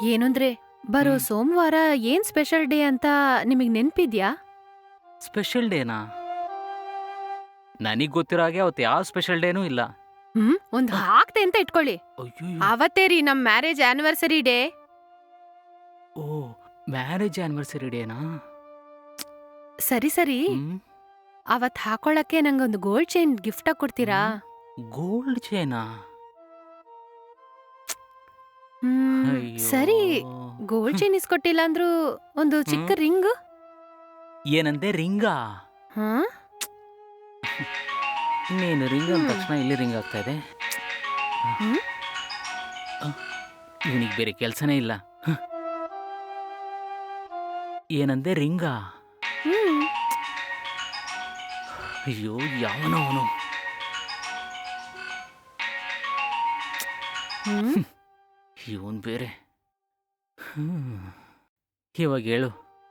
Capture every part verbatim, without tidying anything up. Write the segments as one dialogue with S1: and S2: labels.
S1: ಏನಂದ್ರೆ ಬರೋ
S2: ಹ್ಮ್.
S1: ಸೋಮವಾರ ಏನ್ ಸ್ಪೆಷಲ್ ಡೇ ಅಂತ ನಿಮಗ್ ನೆನ್ಪಿದ್ಯಾ?
S2: ಸ್ಪೆಷಲ್ ಡೇನಾ? ನನಗ್ ಗೊತ್ತಿರೋ ಹಾಗೆ ಅವತ್ತು ಯಾವ ಸ್ಪೆಷಲ್ ಡೇನೂ ಇಲ್ಲ.
S1: ಹ್ಮ್ ಒಂದ್
S2: ಅಹ್,
S1: ಹಾಕ್ತೆ ಅಂತ ಇಟ್ಕೊಳ್ಳಿ.
S2: ಅಯ್ಯಯ್ಯೋ!
S1: ಅವತ್ತೇ ರೀ ನಮ್ ಮ್ಯಾರೇಜ್ ಆನಿವರ್ಸರಿ ಡೇ.
S2: ಓ, ಮ್ಯಾರೇಜ್ ಆನಿವರ್ಸರಿ ಡೇನಾ?
S1: ಸರಿ ಸರಿ,
S2: ಹ್ಮ್
S1: ಅವತ್ ಹಾಕೊಳಕ್ಕೆ ನಂಗೊಂದು ಗೋಲ್ಡ್ ಚೈನ್ ಗಿಫ್ಟ್ ಆಗಿ ಕೊಡ್ತೀರಾ?
S2: ಹ್ಮ್ ಗೋಲ್ಡ್ ಚೈನಾ?
S1: ಹ್ಮ್
S2: ಅಯ್ಯೋ!
S1: ಸರಿ, ಗೋಲ್ಡ್
S2: ಹ್ಮ್
S1: ಚೈನ್ ಇಸ್ಕೊಟ್ಟಿಲ್ಲ ಅಂದ್ರೂ ಒಂದು ಚಿಕ್ಕ
S2: ಹ್ಮ್.
S1: ರಿಂಗ್.
S2: ಏನಂದೆ, ರಿಂಗಾ?
S1: ಹಾ
S2: ನೀನು ರಿಂಗ್ ಅಂದ
S1: ಹ್ಮ್
S2: ತಕ್ಷಣ ಇಲ್ಲಿ ರಿಂಗ್ ಆಗ್ತಾ ಇದೆ.
S1: ಹ್ಮ್
S2: ಇವನಿಗೆ ಬೇರೆ ಕೆಲಸನೇ ಇಲ್ಲ. ಹ, ಏನಂದೆ, ರಿಂಗಾ?
S1: ಹ್ಮ್
S2: ಅಯ್ಯೋ, ಯಾವನೋ ಅವನು.
S1: ಹ್ಮ್
S2: ಇವನ್ ಬೇರೆ. ಹ್ಮ್. ಇವಾಗ ಹೇಳು.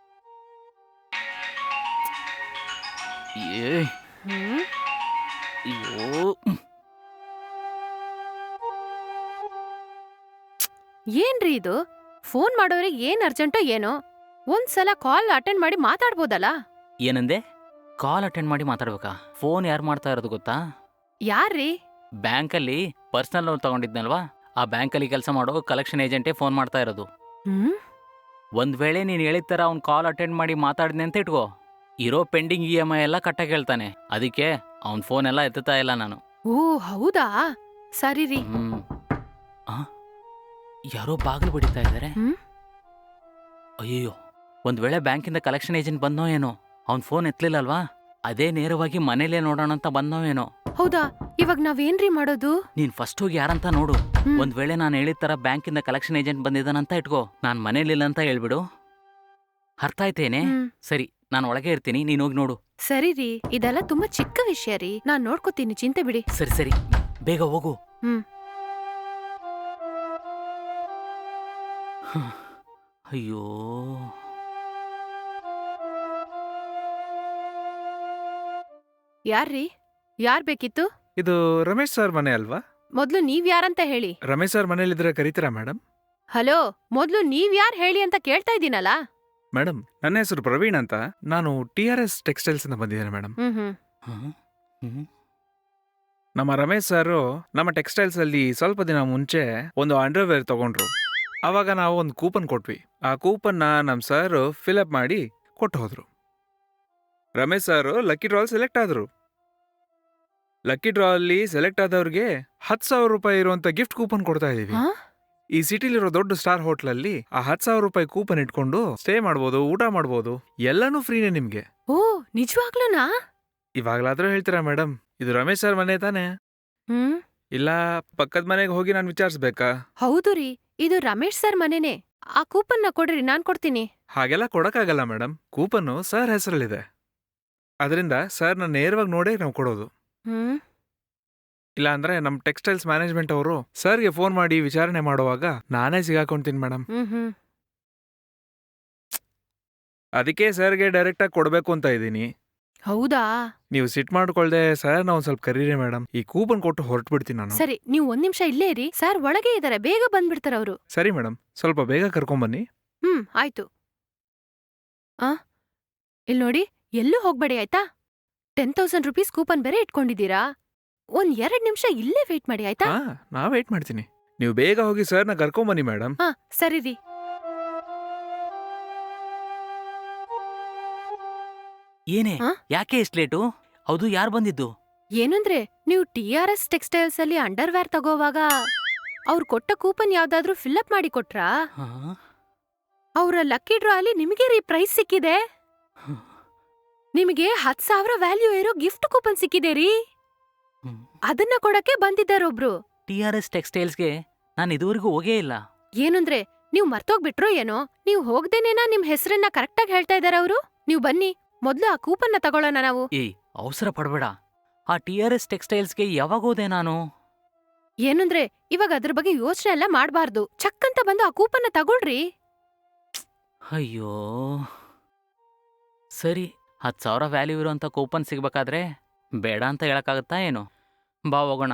S2: ಏ
S1: ಹ್ಮ್
S2: ಅಯ್ಯೋ!
S1: ಏನ್ರಿ ಇದು? ಫೋನ್ ಮಾಡೋರಿಗೆ ಏನ್ ಅರ್ಜೆಂಟೋ ಏನೋ, ಒಂದ್ಸಲ ಕಾಲ್ ಅಟೆಂಡ್ ಮಾಡಿ ಮಾತಾಡ್ಬೋದಲ್ಲ?
S2: ಏನಂದೆ? ಕಾಲ್ ಅಟೆಂಡ್ ಮಾಡಿ ಮಾತಾಡ್ಬೇಕಾ? ಫೋನ್ ಯಾರು ಮಾಡ್ತಾ ಇರೋದು ಗೊತ್ತಾ?
S1: ಯಾರ್ರೀ?
S2: ಬ್ಯಾಂಕಲ್ಲಿ ಪರ್ಸನಲ್ ಲೋನ್ ತಗೊಂಡಿದ್ನಲ್ವಾ, ಆ ಬ್ಯಾಂಕಲ್ಲಿ ಕೆಲಸ ಮಾಡೋ ಕಲೆಕ್ಷನ್ ಏಜೆಂಟೇ ಫೋನ್ ಮಾಡ್ತಾ ಇರೋದು.
S1: ಹ್ಮ್
S2: ಒಂದ್ ವೇಳೆ ನೀನು ಹೇಳಿದ ಥರ ಅವ್ನು ಕಾಲ್ ಅಟೆಂಡ್ ಮಾಡಿ ಮಾತಾಡಿದ್ನೆ ಅಂತ ಇಟ್ಕೋ, ಇರೋ ಪೆಂಡಿಂಗ್ ಇ ಎಮ್ ಐ ಎಲ್ಲ ಕಟ್ಟಾಗಿ ಹೇಳ್ತಾನೆ. ಅದಕ್ಕೆ ಅವ್ನ ಫೋನ್ ಎಲ್ಲ ಎತ್ತುತ್ತಾ ಇಲ್ಲ ನಾನು.
S1: ಓ ಹೌದಾ, ಸರಿ ರೀ.
S2: ಹ್ಮ್ ಆ ಯಾರೋ ಬಾಗಿಲು ಬಡಿತಾ ಇದ್ದಾರೆ.
S1: ಹ್ಮ್
S2: ಅಯ್ಯಯ್ಯೋ! ಒಂದ್ ವೇಳೆ ಬ್ಯಾಂಕಿಂದ ಕಲೆಕ್ಷನ್ ಏಜೆಂಟ್ ಬಂದೋ ಏನೋ, ಅವ್ನ್ ಫೋನ್ ಎತ್ತಲಿಲ್ಲಲ್ವಾ, ಅದೇ ನೇರವಾಗಿ ಮನೇಲೇ ನೋಡೋಣ ಅಂತ ಬಂದೋ ಏನೋ.
S1: ಹೌದಾ, ಇವಾಗ ನಾವೇನ್ರಿ ಮಾಡೋದು?
S2: ನೀನ್ ಫಸ್ಟ್ ಹೋಗಿ ಯಾರಂತ ನೋಡು.
S1: ಹ್ಮ್
S2: ಒಂದ್ ವೇಳೆ ನಾನು ಹೇಳಿದ ಥರ ಬ್ಯಾಂಕಿಂದ ಕಲೆಕ್ಷನ್ ಏಜೆಂಟ್ ಬಂದಿದ್ದಾನಂತ ಇಟ್ಕೋ, ನಾನ್ ಮನೇಲಿಲ್ಲ ಅಂತ ಹೇಳ್ಬಿಡು. ಅರ್ಥ ಆಯ್ತೇನೆ?
S1: ಹ್ಮ್
S2: ಸರಿ, ನಾನು ಒಳಗೆ ಇರ್ತೀನಿ, ನೀನ್ ಹೋಗಿ ನೋಡು.
S1: ಸರಿ ರೀ, ಇದೆಲ್ಲ ತುಂಬಾ ಚಿಕ್ಕ ವಿಷಯ ರೀ, ನಾನ್ ನೋಡ್ಕೋತೀನಿ, ಚಿಂತೆ ಬಿಡಿ.
S2: ಸರಿ ಸರಿ, ಬೇಗ ಹೋಗು.
S1: ಹ್ಮ್
S2: ಹ, ಅಯ್ಯೋ!
S1: ಯಾರ್ರೀ? ಯಾರ್ ಬೇಕಿತ್ತು?
S3: ಇದು ರಮೇಶ್ ಸರ್ ಮನೆ ಅಲ್ವಾ?
S1: ಮೊದ್ಲು ನೀವ್ ಯಾರಂತ ಹೇಳಿ.
S3: ರಮೇಶ್ ಸರ್ ಮನೇಲಿದ್ರೆ ಕರೀತೀರಾ ಮೇಡಮ್?
S1: ಹಲೋ, ಮೊದ್ಲು ನೀವ್ ಯಾರ್ ಹೇಳಿ ಅಂತ ಕೇಳ್ತಾ ಇದ್ದೀನಲ್ಲ.
S3: ಮೇಡಮ್, ನನ್ನ ಹೆಸರು ಪ್ರವೀಣ್ ಅಂತ. ನಾನು ಟಿ ಆರ್ ಎಸ್ ಟೆಕ್ಸ್ಟೈಲ್ಸ್ ಇಂದ ಬಂದಿದ್ದೇನೆ ಮೇಡಮ್.
S1: ಹ್ಮ್ ಹ್ಮ್
S2: ಹ? ಹ್ಮ್
S3: ನಮ್ಮ ರಮೇಶ್ ಸರ್ ನಮ್ಮ ಟೆಕ್ಸ್ಟೈಲ್ಸ್ ಅಲ್ಲಿ ಸ್ವಲ್ಪ ದಿನ ಮುಂಚೆ ಒಂದು ಅಂಡರ್ವೇರ್ ತಗೊಂಡ್ರು. ಅವಾಗ ನಾವು ಒಂದು ಕೂಪನ್ ಕೊಟ್ವಿ. ಆ ಕೂಪನ್ನ ನಮ್ಮ ಸರ್ ಫಿಲ್ಅಪ್ ಮಾಡಿ ಕೊಟ್ಟು ಹೋದ್ರು. Ramesh sir lucky draw select ಆದ್ರು. ಲಕ್ಕಿ ಡ್ರಾ ಅಲ್ಲಿ ಸೆಲೆಕ್ಟ್ ಆದವ್ರಿಗೆ ಹತ್ತು ಸಾವಿರ ರೂಪಾಯಿ ಇರುವಂತ ಗಿಫ್ಟ್ ಕೂಪನ್ ಕೊಡ್ತಾ ಇದೀವಿ.
S1: ಹಾ?
S3: ಈ ಸಿಟಿಲಿರೋ ದೊಡ್ಡ ಸ್ಟಾರ್ ಹೋಟ್ಲಲ್ಲಿ ಆ ಹತ್ತು ಸಾವಿರ ರೂಪಾಯಿ ಕೂಪನ್ ಇಟ್ಕೊಂಡು ಸ್ಟೇ ಮಾಡ್ಬೋದು, ಊಟ ಮಾಡ್ಬೋದು, ಎಲ್ಲಾನು ಫ್ರೀನೇ ನಿಮ್ಗೆ.
S1: ಓ ನಿಜವಾಗ್ಲೂನಾ?
S3: ಇವಾಗ್ಲಾದ್ರೂ ಹೇಳ್ತೀರಾ ಮೇಡಮ್, ಇದು ರಮೇಶ್ ಸರ್ ಮನೆ ತಾನೇ?
S1: ಹ್ಮ್
S3: ಇಲ್ಲ ಪಕ್ಕದ ಮನೆಗೆ ಹೋಗಿ ನಾನು ವಿಚಾರಿಸ್ಬೇಕಾ?
S1: ಹೌದು ರೀ, ಇದು ರಮೇಶ್ ಸರ್ ಮನೆನೇ. ಆ ಕೂಪನ್ನ ಕೊಡ್ರಿ, ನಾನ್ ಕೊಡ್ತೀನಿ.
S3: ಹಾಗೆಲ್ಲ ಕೊಡಕ್ಕಾಗಲ್ಲ ಮೇಡಮ್. ಕೂಪನ್ನು ಸರ್ ಹೆಸರಲ್ಲಿದೆ. ಅದರಿಂದ ಸರ್ನ ನೇರವಾಗಿ ನೋಡೇ ನಾವು ಕೊಡೋದು.
S1: ಹ್ಮ್
S3: ಇಲ್ಲ ಅಂದ್ರೆ ನಮ್ಮ ಟೆಕ್ಸ್ಟೈಲ್ಸ್ ಮ್ಯಾನೇಜ್ಮೆಂಟ್ ಅವರು ಸರ್ಗೆ ಫೋನ್ ಮಾಡಿ ವಿಚಾರಣೆ ಮಾಡುವಾಗ ನಾನೇ ಸಿಗಾಕೊಂತೀನಿ ಮೇಡಮ್.
S1: ಹ್ಮ್ ಹ್ಮ್
S3: ಅದಕ್ಕೆ ಸರ್ಗೆ ಡೈರೆಕ್ಟಾಗಿ ಕೊಡಬೇಕು ಅಂತ ಇದ್ದೀನಿ.
S1: ಹೌದಾ?
S3: ನೀವು ಸಿಟ್ ಮಾಡ್ಕೊಳ್ದೆ ಸರ್ನ ಒಂದ್ ಸ್ವಲ್ಪ ಕರೀರಿ ಮೇಡಮ್. ಈ ಕೂಪನ್ ಕೊಟ್ಟು ಹೊರಟು ಬಿಡ್ತೀನಿ ನಾನು.
S1: ಸರಿ, ನೀವ್ ಒಂದ್ ನಿಮಿಷ ಇಲ್ಲೇ ಇರಿ, ಸರ್ ಒಳಗೆ ಇದಾರೆ, ಬೇಗ ಬಂದ್ಬಿಡ್ತಾರ ಅವ್ರು.
S3: ಸರಿ ಮೇಡಮ್, ಸ್ವಲ್ಪ ಬೇಗ ಕರ್ಕೊಂಬನ್ನಿ.
S1: ಹ್ಮ್ ಆಯ್ತು. ಆ ಇಲ್ ನೋಡಿ, ಎಲ್ಲೂ ಹೋಗ್ಬೇಡಿ ಆಯ್ತಾ? ಟೆನ್ ತೌಸಂಡ್ ರುಪೀಸ್ ಕೂಪನ್ ಬೇರೆ ಇಟ್ಕೊಂಡಿದ್ದೀರಾ. ಒಂದ್ ಎರಡ್ ನಿಮಿಷ ಇಲ್ಲೇ ವೇಟ್ ಮಾಡಿ ಆಯ್ತಾ?
S3: ಹಾ, ನಾ ವೇಟ್ ಮಾಡ್ತೀನಿ. ನೀವು ಬೇಗ ಹೋಗಿ ಸರ್ನ ಕರ್ಕೊಂಬನ್ನಿ ಮೇಡಮ್.
S1: ಹಾ ಸರಿ ರೀ.
S2: ಏನೇ,
S1: ಆ?
S2: ಯಾಕೆ ಇಷ್ಟು ಲೇಟು? ಹೌದು, ಯಾರು ಬಂದಿದ್ದು?
S1: ಏನಂದ್ರೆ, ನೀವು ಟಿ ಆರ್ ಎಸ್ ಟೆಕ್ಸ್ಟೈಲ್ಸ್ ಅಲ್ಲಿ ಅಂಡರ್ವೇರ್ ತಗೋವಾಗ ಅವ್ರು ಕೊಟ್ಟ ಕೂಪನ್ ಯಾವ್ದಾದ್ರೂ ಫಿಲ್ಅಪ್ ಮಾಡಿ ಕೊಟ್ರಾ?
S2: ಹ?
S1: ಅವ್ರ ಲಕ್ಕಿ ಡ್ರಾ ಅಲ್ಲಿ ನಿಮಗೆ ರೀ ಪ್ರೈಸ್ ಸಿಕ್ಕಿದೆ.
S2: ಹ.
S1: ನಿಮಗೆ ಹತ್ ಸಾವಿರ ವ್ಯಾಲ್ಯೂ ಇರೋ ಗಿಫ್ಟ್ ಕೂಪನ್ ಸಿಕ್ಕಿದೆ ರೀ.
S2: ಹ್ಮ್.
S1: ಅದನ್ನ ಕೊಡಕ್ಕೆ ಬಂದಿದ್ದಾರೊಬ್ರು.
S2: ಟಿ ಆರ್ ಎಸ್ ಟೆಕ್ಸ್ಟೈಲ್ಸ್ಗೆ ನಾನು ಇದುವರೆಗೂ ಹೋಗೇ ಇಲ್ಲ.
S1: ಏನಂದ್ರೆ, ನೀವ್ ಮರ್ತೋಗ್ಬಿಟ್ರೋ ಏನೋ? ನೀವ್ ಹೋಗ್ದೇನೇನಾ ನಿಮ್ ಹೆಸರನ್ನ ಕರೆಕ್ಟಾಗಿ ಹೇಳ್ತಾ ಇದಾರ ಅವರು. ನೀವ್ ಬನ್ನಿ, ಮೊದ್ಲು ಆ ಕೂಪನ್ನ ತಗೊಳ್ಳೋಣ ನಾವು.
S2: ಏಯ್, ಅವಸರ ಪಡ್ಬೇಡ. ಆ ಟಿ ಆರ್ ಎಸ್ ಟೆಕ್ಸ್ಟೈಲ್ಸ್ಗೆ ಯಾವಾಗ ಹೋದೆ ನಾನು?
S1: ಏನಂದ್ರೆ, ಇವಾಗ ಅದ್ರ ಬಗ್ಗೆ ಯೋಚನೆ ಎಲ್ಲ ಮಾಡ್ಬಾರ್ದು. ಚಕ್ಕಂತ ಬಂದು ಆ ಕೂಪನ್ನ ತಗೊಳ್ರಿ.
S2: ಅಯ್ಯೋ, ಸರಿ, ಹತ್ತು ಸಾವಿರ ವ್ಯಾಲ್ಯೂ ಇರೋಂಥ ಕೂಪನ್ ಸಿಗ್ಬೇಕಾದ್ರೆ ಬೇಡ ಅಂತ ಹೇಳಕ್ಕಾಗತ್ತಾ ಏನು? ಬಾ ಹೋಗೋಣ.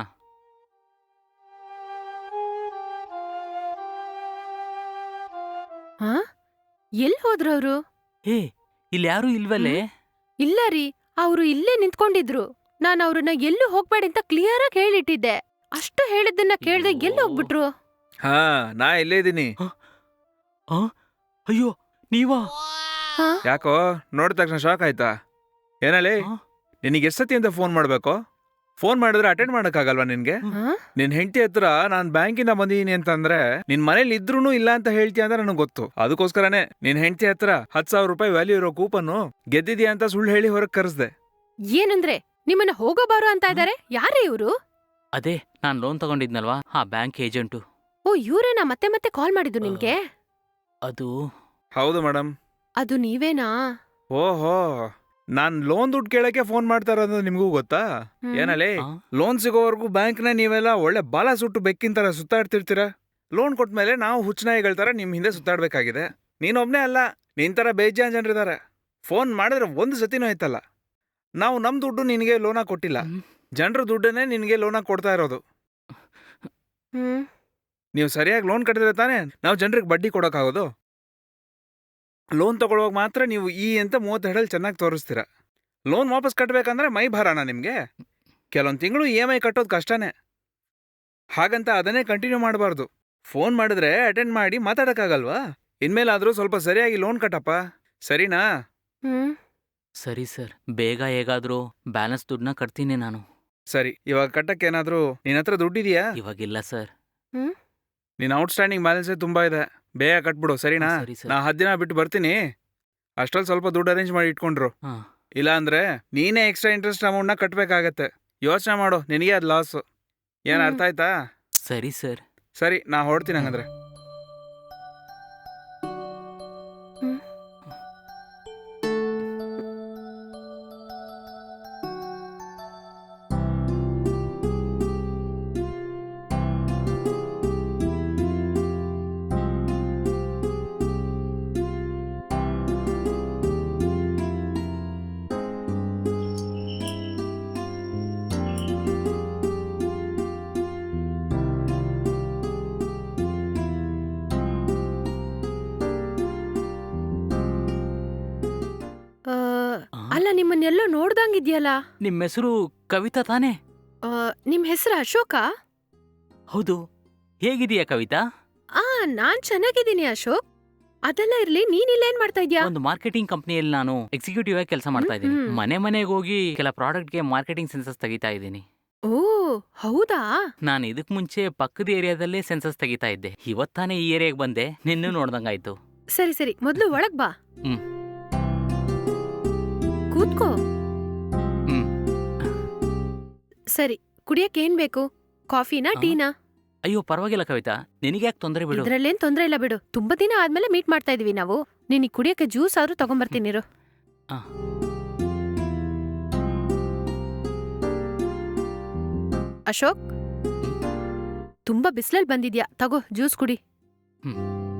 S1: ಹಾ ಎಲ್ ಹೋದ್ರವ್ರು?
S2: ಏ ಇಲ್ಲಿ ಯಾರೂ ಇಲ್ವಲ್ಲೇ?
S1: ಇಲ್ಲ ರೀ, ಅವ್ರು ಇಲ್ಲೇ ನಿಂತ್ಕೊಂಡಿದ್ರು. ನಾನ್ ಅವ್ರನ್ನ ಎಲ್ಲೂ ಹೋಗ್ಬೇಡಿ ಅಂತ ಕ್ಲಿಯರ್ ಆಗಿ ಹೇಳಿಟ್ಟಿದ್ದೆ. ಅಷ್ಟು ಹೇಳಿದ್ದನ್ನ ಕೇಳ್ದೆ
S2: ಅಯ್ಯೋ.
S1: ಎಲ್ಲಿ ಹೋಗ್ಬಿಟ್ರು?
S3: ಹಾ ನಾ ಇಲ್ಲೇ ಇದೀನಿ.
S2: ಆ? ಅಯ್ಯೋ ನೀವಾ?
S1: ಹಾ?
S3: ಯಾಕೋ ನೋಡಿದ ತಕ್ಷಣ ಶಾಕ್ ಆಯ್ತಾ? ಏನಲ್ಲಿ
S2: ಆ?
S3: ನಿನಗೆ ಎಷ್ಟು ಸತಿ ಅಂತ ಫೋನ್ ಮಾಡ್ಬೇಕು? ಫೋನ್ ಮಾಡಿದ್ರೆ ಅಟೆಂಡ್ ಮಾಡಕ್ಕಾಗಲ್ವಾ ನಿನ್ಗೆ?
S1: ಹಾ?
S3: ನಿನ್ ಹೆಂಡತಿ ಹತ್ರ ನಾನ್ ಬ್ಯಾಂಕಿಂದ ಬಂದಿದ್ದೀನಿ ಅಂತಂದ್ರೆ ನಿನ್ ಮನೇಲಿ ಇದ್ರೂನು ಇಲ್ಲ ಅಂತ ಹೇಳ್ತೀಯ ಅಂತ ನನಗೆ ಗೊತ್ತು. ಅದಕ್ಕೋಸ್ಕರನೇ ನಿನ್ ಹೆಂಡತಿ ಹತ್ರ ಹತ್ ಸಾವಿರ ರೂಪಾಯಿ ವ್ಯಾಲ್ಯೂ ಇರೋ ಕೂಪನ್ ಗೆದ್ದಿದ್ಯಾ ಅಂತ ಸುಳ್ಳು ಹೇಳಿ ಹೊರಗ್ ಕರೆಸ್ದೆ.
S1: ಏನಂದ್ರೆ ನಿಮ್ಮನ್ನ ಹೋಗೋ ಬಾರೋ ಅಂತ ಇದಾರೆ? ಯಾರೇ ಇವ್ರು?
S2: ಅದೇ ನಾನ್ ಲೋನ್ ತಗೊಂಡಿದ್ನಲ್ವಾ ಆ ಬ್ಯಾಂಕ್ ಏಜೆಂಟು.
S1: ಓ ಇವ್ರೇನಾ ಮತ್ತೆ ಮತ್ತೆ ಕಾಲ್ ಮಾಡಿದ್ದು ನಿಮ್ಗೆ?
S2: ಅದು
S3: ಹೌದು ಮೇಡಮ್.
S1: ಅದು ನೀವೇನಾ?
S3: ಓಹೋ, ನಾನ್ ಲೋನ್ ದುಡ್ಡು ಕೇಳಕ್ಕೆ ಫೋನ್ ಮಾಡ್ತಾ ಇರೋದು ನಿಮ್ಗೂ ಗೊತ್ತಾ?
S1: ಹ್ಮ್.
S3: ಏನಲ್ಲಿ
S2: ಆ?
S3: ಲೋನ್ ಸಿಗೋವರೆಗೂ ಬ್ಯಾಂಕ್ನ ನೀವೆಲ್ಲ ಒಳ್ಳೆ ಬಾಲ ಸುಟ್ಟು ಬೆಕ್ಕಿನ ತರ ಸುತ್ತಾಡ್ತಿರ್ತೀರ. ಲೋನ್ ಕೊಟ್ಮೇಲೆ ನಾವು ಹುಚ್ಚನಾಯಿಗಳ ತರ ನಿಮ್ ಹಿಂದೆ ಸುತ್ತಾಡ್ಬೇಕಾಗಿದೆ. ನೀನೊಬ್ನೇ ಅಲ್ಲ, ನಿನ್ ತರ ಬೇಜಾನ್ ಜನರಿದ್ದಾರೆ. ಫೋನ್ ಮಾಡಿದ್ರೆ ಒಂದು ಸತಿನೂ ಆಯ್ತಲ್ಲ. ನಾವು ನಮ್ ದುಡ್ಡು ನಿನಗೆ ಲೋನ ಕೊಟ್ಟಿಲ್ಲ,
S2: ಹ್ಮ್.
S3: ಜನರ ದುಡ್ಡನ್ನೇ ನಿನಗೆ ಲೋನ ಕೊಡ್ತಾ ಇರೋದು.
S1: ಹ್ಮ್
S3: ನೀವು ಸರಿಯಾಗಿ ಲೋನ್ ಕಟ್ಟಿದ್ರೆ ತಾನೇ ನಾವು ಜನರಿಗೆ ಬಡ್ಡಿ ಕೊಡೋಕ್ಕಾಗೋದು. ಲೋನ್ ತಗೊಳ್ಳುವಾಗ ಮಾತ್ರ ನೀವು ಈ ಅಂತ ಮೂವತ್ತೆರಡಲ್ಲಿ ಚೆನ್ನಾಗಿ ತೋರಿಸ್ತೀರ. ಲೋನ್ ವಾಪಸ್ ಕಟ್ಟಬೇಕಂದ್ರೆ ಮೈ ಭಾರಣ ನಿಮಗೆ. ಕೆಲವೊಂದು ತಿಂಗಳು ಇ ಎಮ್ ಐ ಕಟ್ಟೋದು ಕಷ್ಟನೇ. ಹಾಗಂತ ಅದನ್ನೇ ಕಂಟಿನ್ಯೂ ಮಾಡಬಾರ್ದು. ಫೋನ್ ಮಾಡಿದ್ರೆ ಅಟೆಂಡ್ ಮಾಡಿ ಮಾತಾಡೋಕ್ಕಾಗಲ್ವಾ? ಇನ್ಮೇಲಾದರೂ ಸ್ವಲ್ಪ ಸರಿಯಾಗಿ ಲೋನ್ ಕಟ್ಟಪ್ಪ, ಸರಿನಾ?
S1: ಹ್ಮ್
S2: ಸರಿ ಸರ್, ಬೇಗ ಹೇಗಾದ್ರೂ ಬ್ಯಾಲೆನ್ಸ್ ದುಡ್ಡನ್ನ ಕಟ್ತೀನಿ ನಾನು.
S3: ಸರಿ, ಇವಾಗ ಕಟ್ಟಕ್ಕೇನಾದರೂ ನಿನ್ನ ಹತ್ರ ದುಡ್ಡಿದೆಯಾ?
S2: ಇವಾಗಿಲ್ಲ ಸರ್.
S1: ಹ್ಮ್
S3: ನಿನ್ನ ಔಟ್ಸ್ಟ್ಯಾಂಡಿಂಗ್ ಬ್ಯಾಲೆನ್ಸೇ ತುಂಬ ಇದೆ. ಬೇಗ ಕಟ್ಬಿಡು, ಸರಿನಾ?
S2: ಸರಿ ಸರ್.
S3: ನಾ ಹತ್ತು ದಿನ ಬಿಟ್ಟು ಬರ್ತೀನಿ. ಅಷ್ಟ್ರಲ್ಲಿ ಸ್ವಲ್ಪ ದುಡ್ಡು ಅರೇಂಜ್ ಮಾಡಿ ಇಟ್ಕೊಂಡ್ರು.
S2: ಹಾ.
S3: ಇಲ್ಲ ಅಂದ್ರೆ ನೀನೇ ಎಕ್ಸ್ಟ್ರಾ ಇಂಟ್ರೆಸ್ಟ್ ಅಮೌಂಟ್ನ ಕಟ್ಟಬೇಕಾಗತ್ತೆ. ಯೋಚನೆ ಮಾಡು, ನಿನಗೆ ಅದು ಲಾಸು. ಏನು
S1: ಹ್ಮ್.
S3: ಅರ್ಥ ಆಯ್ತಾ?
S2: ಸರಿ ಸರ್.
S3: ಸರಿ, ನಾ ಹೊರಡ್ತೀನಿ ಹಂಗಂದ್ರೆ.
S1: ಹ್ಮ್. ಆ,
S2: ಆ?
S1: ಅಲ್ಲ ನಿಮ್ಮನ್ನೆಲ್ಲೋ ನೋಡ್ದಂಗಿದ್ಯಲ್ಲ.
S2: ನಿಮ್ಮ ಹೆಸರು ಕವಿತಾ ತಾನೇ?
S1: ಆ, ನಿಮ್ ಹೆಸರು ಅಶೋಕ?
S2: ಹೌದು. ಹೇಗಿದೀಯಾ ಕವಿತಾ?
S1: ಆ ನಾನ್ ಚೆನ್ನಾಗಿದ್ದೀನಿ ಅಶೋಕ್. ಅದೆಲ್ಲ ಇರ್ಲಿ, ನೀನ್ ಇಲ್ಲೇನ್ ಮಾಡ್ತಾ ಇದ್ಯಾ?
S2: ಒಂದು ಮಾರ್ಕೆಟಿಂಗ್ ಕಂಪ್ನಿಯಲ್ಲಿ ನಾನು ಎಕ್ಸಿಕ್ಯೂಟಿವ್ ಆಗಿ ಕೆಲಸ ಮಾಡ್ತಾ ಇದ್ದೀನಿ.
S1: ಹ್ಮ್, ಹ್ಮ್.
S2: ಮನೆ ಮನೆಗೆ ಹೋಗಿ ಕೆಲ ಪ್ರಾಡಕ್ಟ್ಗೆ ಮಾರ್ಕೆಟಿಂಗ್ ಸೆನ್ಸಸ್ ತೆಗಿತಾ ಇದ್ದೀನಿ.
S1: ಓ ಹೌದಾ?
S2: ನಾನು ಇದಕ್ ಮುಂಚೆ ಪಕ್ಕದ ಏರಿಯಾದಲ್ಲೇ ಸೆನ್ಸಸ್ ತೆಗಿತಾ ಇದ್ದೆ. ಇವತ್ತಾನೆ ಈ ಏರಿಯಾಗೆ ಬಂದೆ, ನಿನ್ನೂ ನೋಡ್ದಂಗಾಯ್ತು.
S1: ಸರಿ ಸರಿ, ಮೊದ್ಲು ಒಳಗ್ ಬಾ.
S2: ಹ್ಮ್.
S1: ಕೂತ್ಕೋ.
S2: ಹ್ಮ್.
S1: ಸರಿ, ಕುಡಿಯಕ್ ಏನ್ ಬೇಕು? ಕಾಫಿನಾ
S2: ಆ?
S1: ಟೀನಾ?
S2: ಅಯ್ಯೋ ಪರವಾಗಿಲ್ಲ ಕವಿತಾ, ನಿನಗ್ಯಾಕೆ ತೊಂದರೆ ಬಿಡು.
S1: ಇದ್ರಲ್ಲೇನ್ ತೊಂದ್ರೆ ಇಲ್ಲ ಬಿಡು. ತುಂಬಾ ದಿನ ಆದ್ಮೇಲೆ ಮೀಟ್ ಮಾಡ್ತಾ ಇದೀವಿ ನಾವು. ನಿನಗ್ ಕುಡಿಯಕ್ಕೆ ಜ್ಯೂಸ್ ಆದ್ರೂ ತಗೊಂಬರ್ತೀನಿ ಇರು.
S2: ಆ.
S1: ಅಶೋಕ್, ತುಂಬಾ ಬಿಸ್ಲಲ್ಲಿ ಬಂದಿದ್ಯಾ, ತಗೋ ಜ್ಯೂಸ್ ಕುಡಿ.
S2: ಹ್ಮ್.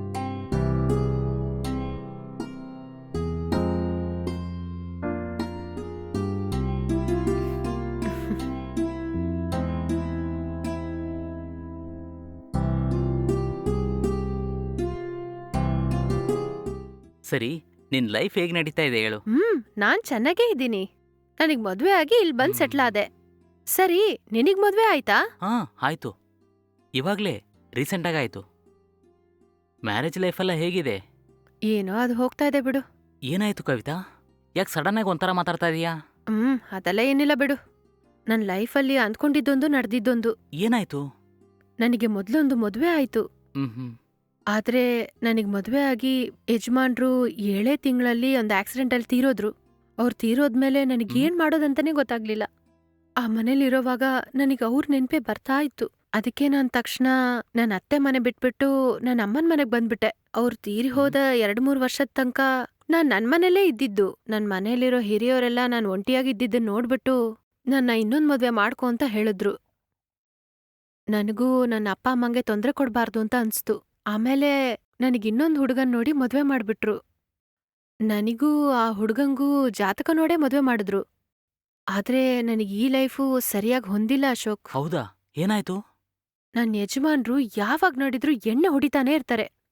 S2: ಸರಿ, ನಿನ್ ಲೈಫ್ ಹೇಗ್ ನಡೀತಾ ಇದೆ ಹೇಳು.
S1: ಹ್ಮ್ ನಾನ್ ಚೆನ್ನಾಗೇ ಇದ್ದೀನಿ. ನನಗ್ ಮದ್ವೆ ಆಗಿ ಇಲ್ಲಿ ಬಂದ್
S2: ಹ್ಮ್.
S1: ಸೆಟ್ಲ್ ಆದೆ. ಸರಿ, ನಿನಗ್ ಮದ್ವೆ ಆಯ್ತಾ?
S2: ಹಾ ಆಯ್ತು, ಇವಾಗ್ಲೇ ರೀಸೆಂಟಾಗಿ ಆಯ್ತು. ಮ್ಯಾರೇಜ್ ಲೈಫೆಲ್ಲ ಹೇಗಿದೆ?
S1: ಏನೋ ಅದು ಹೋಗ್ತಾ ಇದೆ ಬಿಡು.
S2: ಏನಾಯ್ತು ಕವಿತಾ, ಯಾಕೆ ಸಡನ್ ಆಗಿ ಒಂಥರ ಮಾತಾಡ್ತಾ ಇದೀಯಾ?
S1: ಹ್ಮ್ ಅದೆಲ್ಲ ಏನಿಲ್ಲ ಬಿಡು. ನನ್ ಲೈಫಲ್ಲಿ ಅಂದ್ಕೊಂಡಿದ್ದೊಂದು ನಡೆದಿದ್ದೊಂದು.
S2: ಏನಾಯ್ತು?
S1: ನನಗೆ ಮೊದ್ಲೊಂದು ಮದ್ವೆ ಆಯ್ತು.
S2: ಹ್ಮ್ ಹ್ಮ್
S1: ಆದ್ರೆ ನನಗ್ ಮದ್ವೆ ಆಗಿ ಯಜಮಾನ್ರು ಏಳೇ ತಿಂಗಳಲ್ಲಿ ಒಂದು ಆಕ್ಸಿಡೆಂಟಲ್ಲಿ ತೀರೋದ್ರು. ಅವ್ರು ತೀರೋದ್ಮೇಲೆ ನನಗ್
S2: ಹ್ಮ್.
S1: ಏನ್ ಮಾಡೋದಂತಾನೆ ಗೊತ್ತಾಗ್ಲಿಲ್ಲ. ಆ ಮನೇಲಿರೋವಾಗ ನನಗ್ ಅವ್ರ ನೆನ್ಪೆ ಬರ್ತಾ ಇತ್ತು. ಅದಕ್ಕೆ ನಾನ್ ತಕ್ಷಣ ನನ್ನ ಅತ್ತೆ ಮನೆ ಬಿಟ್ಬಿಟ್ಟು ನನ್ನ ಅಮ್ಮನ್ ಮನೆಗ್ ಬಂದ್ಬಿಟ್ಟೆ. ಅವ್ರು ತೀರಿ ಹೋದ ಎರಡ್ ಮೂರ್ ವರ್ಷದ ತನಕ ನಾನ್ ನನ್ ಮನೇಲೇ ಇದ್ದಿದ್ದು. ನನ್ ಮನೇಲಿರೋ ಹಿರಿಯೋರೆಲ್ಲ ನಾನ್ ಒಂಟಿಯಾಗಿದ್ದನ್ನ ನೋಡ್ಬಿಟ್ಟು ನನ್ನ ಇನ್ನೊಂದ್ ಮದ್ವೆ ಮಾಡ್ಕೊ ಅಂತ ಹೇಳಿದ್ರು. ನನಗೂ ನನ್ನ ಅಪ್ಪ ಅಮ್ಮಂಗೆ ತೊಂದ್ರೆ ಕೊಡ್ಬಾರ್ದು ಅಂತ ಅನ್ಸ್ತು. ಆಮೇಲೆ ನನಗ್ ಇನ್ನೊಂದ್ ಹುಡುಗನ್ ನೋಡಿ ಮದ್ವೆ ಮಾಡ್ಬಿಟ್ರು. ನನಗೂ ಆ ಹುಡುಗಂಗೂ ಜಾತಕ ನೋಡೇ ಮದ್ವೆ ಮಾಡಿದ್ರು. ಆದ್ರೆ ನನಗ್ ಈ ಲೈಫು ಸರಿಯಾಗಿ ಹೊಂದಿಲ್ಲ ಅಶೋಕ್.
S2: ಹೌದಾ, ಏನಾಯ್ತು?
S1: ನನ್ ಯಜಮಾನ್ರು ಯಾವಾಗ್ ನೋಡಿದ್ರು ಎಣ್ಣೆ ಹೊಡಿತಾನೇ ಇರ್ತಾರೆ.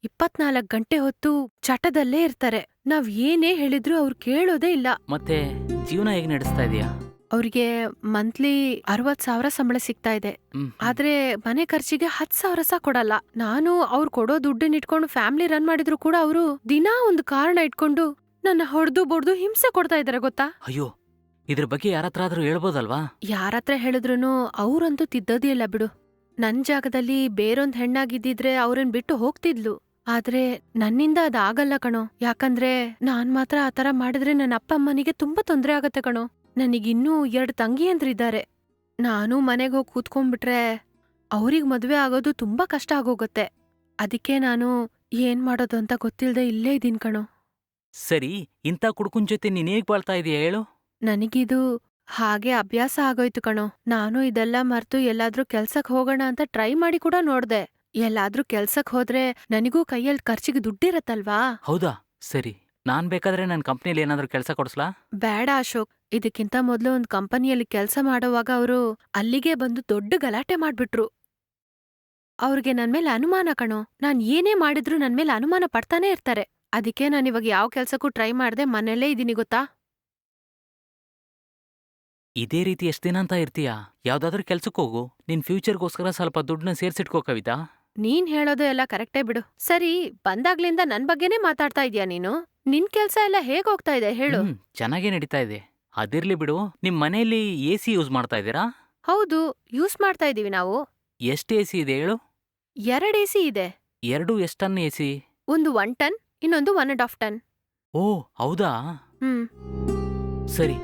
S1: ಇಪ್ಪತ್ನಾಲ್ಕು ಗಂಟೆ ಹೊತ್ತು ಚಟದಲ್ಲೇ ಇರ್ತಾರೆ. ನಾವ್ ಏನೇ ಹೇಳಿದ್ರು ಅವ್ರು ಕೇಳೋದೇ ಇಲ್ಲ.
S2: ಮತ್ತೆ ಜೀವನ ಹೇಗೆ ನಡೆಸ್ತಾ ಇದೀಯಾ?
S1: ಅವ್ರಿಗೆ ಮಂತ್ಲಿ ಅರವತ್ ಸಾವಿರ ಸಂಬಳ ಸಿಗ್ತಾ ಇದೆ.
S2: ಹ್ಮ್
S1: ಆದ್ರೆ ಮನೆ ಖರ್ಚಿಗೆ ಹತ್ ಸಾವಿರ ಸಹ ಕೊಡಲ್ಲ. ನಾನು ಅವ್ರು ಕೊಡೋ ದುಡ್ಡನ್ನ ಇಟ್ಕೊಂಡು ಫ್ಯಾಮಿಲಿ ರನ್ ಮಾಡಿದ್ರು ಕೂಡ ಅವರು ದಿನಾ ಒಂದು ಕಾರಣ ಇಟ್ಕೊಂಡು ನನ್ನ ಹೊಡೆದು ಬೊಡ್ದು ಹಿಂಸೆ ಕೊಡ್ತಾ ಇದಾರೆ ಗೊತ್ತಾ.
S2: ಅಯ್ಯೋ, ಇದ್ರ ಬಗ್ಗೆ ಯಾರತ್ರ ಆದ್ರೂ ಹೇಳ್ಬೋದಲ್ವಾ?
S1: ಯಾರತ್ರ ಹೇಳಿದ್ರುನು ಅವ್ರಂತೂ ತಿದ್ದೋದೇ ಇಲ್ಲ ಬಿಡು. ನನ್ ಜಾಗದಲ್ಲಿ ಬೇರೊಂದ್ ಹೆಣ್ಣಾಗಿದ್ದಿದ್ರೆ ಅವ್ರನ್ ಬಿಟ್ಟು ಹೋಗ್ತಿದ್ಲು. ಆದ್ರೆ ನನ್ನಿಂದ ಅದಾಗಲ್ಲ ಕಣೋ. ಯಾಕಂದ್ರೆ ನಾನ್ ಮಾತ್ರ ಆತರ ಮಾಡಿದ್ರೆ ನನ್ನ ಅಪ್ಪ ಅಮ್ಮನಿಗೆ ತುಂಬಾ ತೊಂದ್ರೆ ಆಗತ್ತೆ ಕಣೋ. ನನಗಿನ್ನೂ ಎರಡ್ ತಂಗಿಯಂದ್ರಿದ್ದಾರೆ. ನಾನು ಮನೆಗ್ ಹೋಗಿ ಕೂತ್ಕೊಂಡ್ಬಿಟ್ರೆ ಅವ್ರಿಗ್ ಮದ್ವೆ ಆಗೋದು ತುಂಬಾ ಕಷ್ಟ ಆಗೋಗತ್ತೆ. ಅದಕ್ಕೆ ನಾನು ಏನ್ ಮಾಡೋದು ಅಂತ ಗೊತ್ತಿಲ್ದೆ ಇಲ್ಲೇ ಇದೀನ್ ಕಣೋ.
S2: ಸರಿ, ಇಂಥ ಕುಡ್ಕುನ್ ಜೊತೆ ನೀನ್ ಹೇಗ್ ಬಾಳ್ತಾ ಇದೀಯ ಹೇಳು?
S1: ನನಗಿದು ಹಾಗೆ ಅಭ್ಯಾಸ ಆಗೋಯ್ತು ಕಣೋ. ನಾನು ಇದೆಲ್ಲ ಮರ್ತು ಎಲ್ಲಾದ್ರೂ ಕೆಲ್ಸಕ್ ಹೋಗೋಣ ಅಂತ ಟ್ರೈ ಮಾಡಿ ಕೂಡ ನೋಡ್ದೆ. ಎಲ್ಲಾದ್ರೂ ಕೆಲ್ಸಕ್ ಹೋದ್ರೆ ನನಗೂ ಕೈಯಲ್ಲಿ ಖರ್ಚಿಗೆ ದುಡ್ಡಿರತ್ತಲ್ವಾ.
S2: ಹೌದಾ? ಸರಿ, ನಾನ್ ಬೇಕಾದ್ರೆ ನನ್ ಕಂಪ್ನಿಲಿ ಏನಾದ್ರೂ ಕೆಲಸ ಕೊಡ್ಸ್ಲಾ?
S1: ಬೇಡ ಅಶೋಕ್. ಇದಕ್ಕಿಂತ ಮೊದ್ಲು ಒಂದ್ ಕಂಪನಿಯಲ್ಲಿ ಕೆಲ್ಸ ಮಾಡೋವಾಗ ಅವರು ಅಲ್ಲಿಗೆ ಬಂದು ದೊಡ್ಡ ಗಲಾಟೆ ಮಾಡ್ಬಿಟ್ರು. ಅವ್ರಿಗೆ ನನ್ಮೇಲೆ ಅನುಮಾನ ಕಣೋ. ನಾನ್ ಏನೇ ಮಾಡಿದ್ರು ನನ್ಮೇಲೆ ಅನುಮಾನ ಪಡ್ತಾನೆ ಇರ್ತಾರೆ. ಅದಕ್ಕೆ ನಾನಿವಾಗ ಯಾವ ಕೆಲ್ಸಕ್ಕೂ ಟ್ರೈ ಮಾಡ್ದೆ ಮನೇಲೇ ಇದೀನಿ ಗೊತ್ತಾ.
S2: ಇದೇ ರೀತಿ ಎಷ್ಟ್ ದಿನ ಅಂತ ಇರ್ತೀಯಾ? ಯಾವ್ದಾದ್ರೂ ಕೆಲ್ಸಕ್ಕೆ ಹೋಗು. ನಿನ್ ಫ್ಯೂಚರ್ಗೋಸ್ಕರ ಸ್ವಲ್ಪ ದುಡ್ಡನ್ನ ಸೇರ್ಸಿಟ್ಕೋ ಕವಿತಾ.
S1: ನೀನ್ ಹೇಳೋದು ಎಲ್ಲ ಕರೆಕ್ಟೇ ಬಿಡು. ಸರಿ, ಬಂದಾಗ್ಲಿಂದ ನನ್ ಬಗ್ಗೆನೇ ಮಾತಾಡ್ತಾ ಇದ್ಯಾ ನೀನು. ನಿನ್ ಕೆಲ್ಸ ಎಲ್ಲ ಹೇಗ್ ಹೋಗ್ತಾ ಇದೆ ಹೇಳು.
S2: ಹ್ಮ್, ಚೆನ್ನಾಗೇ ನಡೀತಾ ಇದೆ. ಅದಿರ್ಲಿ ಬಿಡು, ನಿಮ್ ಮನೆಯಲ್ಲಿ ಎ ಸಿ ಯೂಸ್ ಮಾಡ್ತಾ ಇದ್ದೀರಾ?
S1: ಹೌದು, ಯೂಸ್ ಮಾಡ್ತಾ ಇದೀವಿ ನಾವು.
S2: ಎಷ್ಟ್ ಎ ಸಿ ಇದೆ ಹೇಳು?
S1: ಎರಡ್ ಎಸಿ ಇದೆ.
S2: ಎರಡು ಎಷ್ಟ್ ಟನ್ ಎ ಸಿ?
S1: ಒಂದು ಒನ್ ಟನ್, ಇನ್ನೊಂದು ಒನ್ ಅಂಡ್ ಹಾಫ್ ಟನ್.
S2: ಓ ಹೌದಾ?
S1: ಹ್ಮ್
S2: ಸರಿ.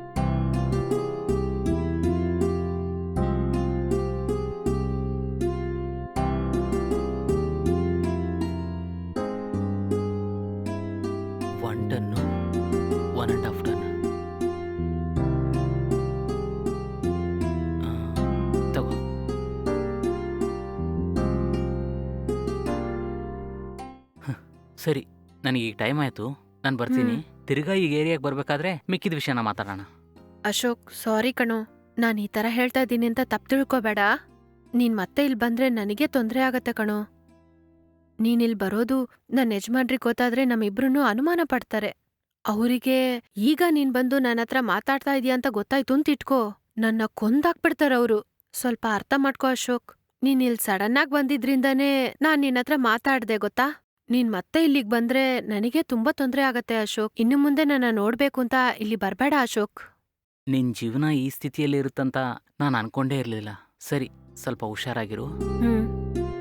S2: One ton, one and half ton. ತಗೋ. ಹ, ಸರಿ, ನನಗೀಗ ಟೈಮ್ ಆಯ್ತು. ನಾನು ಬರ್ತೀನಿ. ತಿರ್ಗಾ ಈಗ ಏರಿಯಾಗೆ ಬರ್ಬೇಕಾದ್ರೆ ಮಿಕ್ಕಿದ ವಿಷಯನ ಮಾತಾಡೋಣ.
S1: ಅಶೋಕ್, ಸಾರಿ ಕಣೋ. ನಾನ್ ಈ ತರ ಹೇಳ್ತಾ ಇದ್ದೀನಿ ಅಂತ ತಪ್ಪು ತಿಳ್ಕೊಬೇಡ. ನೀನ್ ಮತ್ತೆ ಇಲ್ ಬಂದ್ರೆ ನನಗೆ ತೊಂದ್ರೆ ಆಗತ್ತೆ ಕಣೋ. ನೀನ್ ಇಲ್ ಬರೋದು ನನ್ನ ಯಜಮಾನ್ರಿಗೆ ಗೊತ್ತಾದ್ರೆ ನಮ್ಮಿಬ್ರನ್ನೂ ಅನುಮಾನ ಪಡ್ತಾರೆ. ಅವರಿಗೆ ಈಗ ನೀನ್ ಬಂದು ನನ್ನ ಹತ್ರ ಮಾತಾಡ್ತಾ ಇದೀಯ ಅಂತ ಗೊತ್ತಾಯ್ತು ಅಂತ ಇಟ್ಕೋ, ನನ್ನ ಕೊಂದಾಕ್ಬಿಡ್ತಾರವ್ರು. ಸ್ವಲ್ಪ ಅರ್ಥ ಮಾಡ್ಕೋ ಅಶೋಕ್. ನೀನ್ ಇಲ್ ಸಡನ್ ಆಗಿ ಬಂದಿದ್ರಿಂದಾನೇ ನಾನ್ ನಿನ್ ಹತ್ರ ಮಾತಾಡ್ದೆ ಗೊತ್ತಾ. ನೀನ್ ಮತ್ತೆ ಇಲ್ಲಿಗ್ ಬಂದ್ರೆ ನನಗೆ ತುಂಬಾ ತೊಂದ್ರೆ ಆಗತ್ತೆ ಅಶೋಕ್. ಇನ್ನು ಮುಂದೆ ನನ್ನ ನೋಡ್ಬೇಕು ಅಂತ ಇಲ್ಲಿ ಬರ್ಬೇಡ ಅಶೋಕ್.
S2: ನಿನ್ ಜೀವನ ಈ ಸ್ಥಿತಿಯಲ್ಲಿ ಇರುತ್ತಂತ ನಾನು ಅನ್ಕೊಂಡೇ ಇರಲಿಲ್ಲ. ಸರಿ, ಸ್ವಲ್ಪ ಹುಷಾರಾಗಿರು.
S1: ಹ್ಮ್